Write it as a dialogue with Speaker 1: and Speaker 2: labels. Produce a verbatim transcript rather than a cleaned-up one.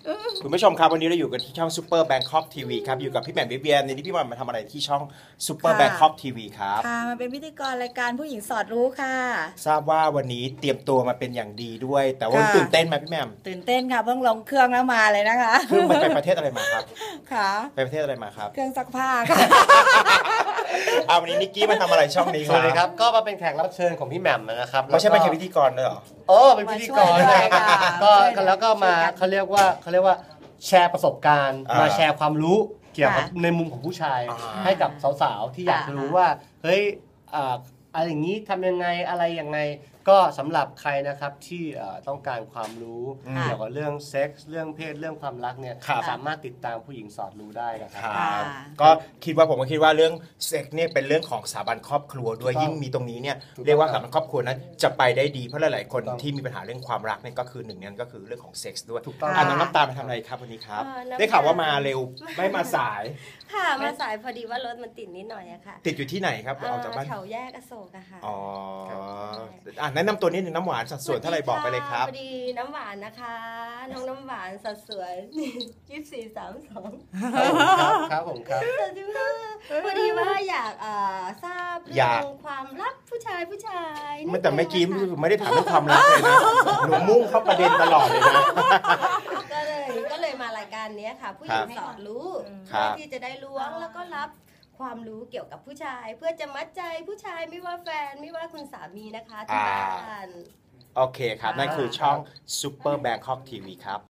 Speaker 1: คุณผู้ชมครับวันนี้เราอยู่กันที่ช่องซูเปอร์แบงคอกทีวีครับอยู่กับพี่แหม่มวิเวียนในนี้พี่แหม่มมาทำอะไรที่ช่องซูเปอร์แบงคอกทีวีครับ
Speaker 2: ค่ะมาเป็นพิธีกรรายการผู้หญิงสอดรู้ค่ะ
Speaker 1: ทราบว่าวันนี้เตรียมตัวมาเป็นอย่างดีด้วย แต่ว่าตื่นเต้นไหมพี่แหม่ม
Speaker 2: ตื่นเต้นค่ะเพิ่งลงเครื่องแล้วมาเลยนะคะ
Speaker 1: เครื่องไปประเทศอะไรมาครับ
Speaker 2: ค่ะ
Speaker 1: ไปประเทศอะไรมาครับ
Speaker 2: เครื่องซักผ้าค่ะ
Speaker 1: เอาวันนี้นิกกี้มาทำอะไรช่องนี้ครับ
Speaker 3: สวัสดีครับก็มาเป็นแขกรับเชิญของพี่แหม่มนะครับ
Speaker 1: ไม่ใช่เป็นแค่พิธีกรเลยหรอ
Speaker 3: โอ้เป็นพิธีกรก็แล้วก็มาเขาเรียกว่าเขาเรียกว่าแชร์ประสบการณ์มาแชร์ความรู้เกี่ยวกับในมุมของผู้ชายให้กับสาวๆที่อยากจะรู้ว่าเฮ้ยอะไรอย่างนี้ทำยังไงอะไรยังไงก็สำหรับใครนะครับที่ต้องการความรู้เกี่ยวกับเรื่องเซ็กส์เรื่องเพศเรื่องความรักเนี่ยสามารถติดตามผู้หญิงสอดรู้ได้นะครับ
Speaker 1: ก็คิดว่าผมก็คิดว่าเรื่องเซ็กส์เนี่ยเป็นเรื่องของสถาบันครอบครัวด้วยยิ่งมีตรงนี้เนี่ยเรียกว่าสถาบันครอบครัวนั้นจะไปได้ดีเพราะหลายๆคนที่มีปัญหาเรื่องความรักเนี่ยก็คือหนึ่งนั้นก็คือเรื่องของเซ็กส์ด้วยอ่าน้องน้ำตาลมาทำอะไรครับวันนี้ครับได้ข่าวว่ามาเร็วไม่มาสาย
Speaker 4: ค่ะมาสายพอดีว่ารถมันติดนิดหน่อยอะค่ะ
Speaker 1: ติดอยู่ที่ไหนครับออกจากบ้าน
Speaker 4: แถวแยกอโศกอะค่ะ
Speaker 1: อ๋ออ่าแนะนำตัวนิดนึงน้ำหวานสัดส่วนเท่าไหร่บอกไปเลยครับ
Speaker 4: พอดีน้ำหวานนะคะน้องน้ำหวานสัดส่วนยี่สิบสี่สามสอง
Speaker 3: ครับผมครับ
Speaker 4: พอดีว่าอยากทราบเรื่องความรักผู้ชายผู้ชาย
Speaker 1: ไม่แต่ไม่กี้ไม่ได้ถามเรื่องความรักเลยนะหนูมุ่งเข้าประเด็นตลอดเลยนะ
Speaker 4: ก็เลยก็เลยมารายการนี้ค่ะผู้หญิงสอนรู้เพื่อที่จะได้ล้วงแล้วก็รับความรู้เกี่ยวกับผู้ชายเพื่อจะมัดใจผู้ชายไม่ว่าแฟนไม่ว่าคุณสามีนะคะที่บ้าน
Speaker 1: โอเคครับนั่นคือช่อง Super Bangkok ที วี ครับ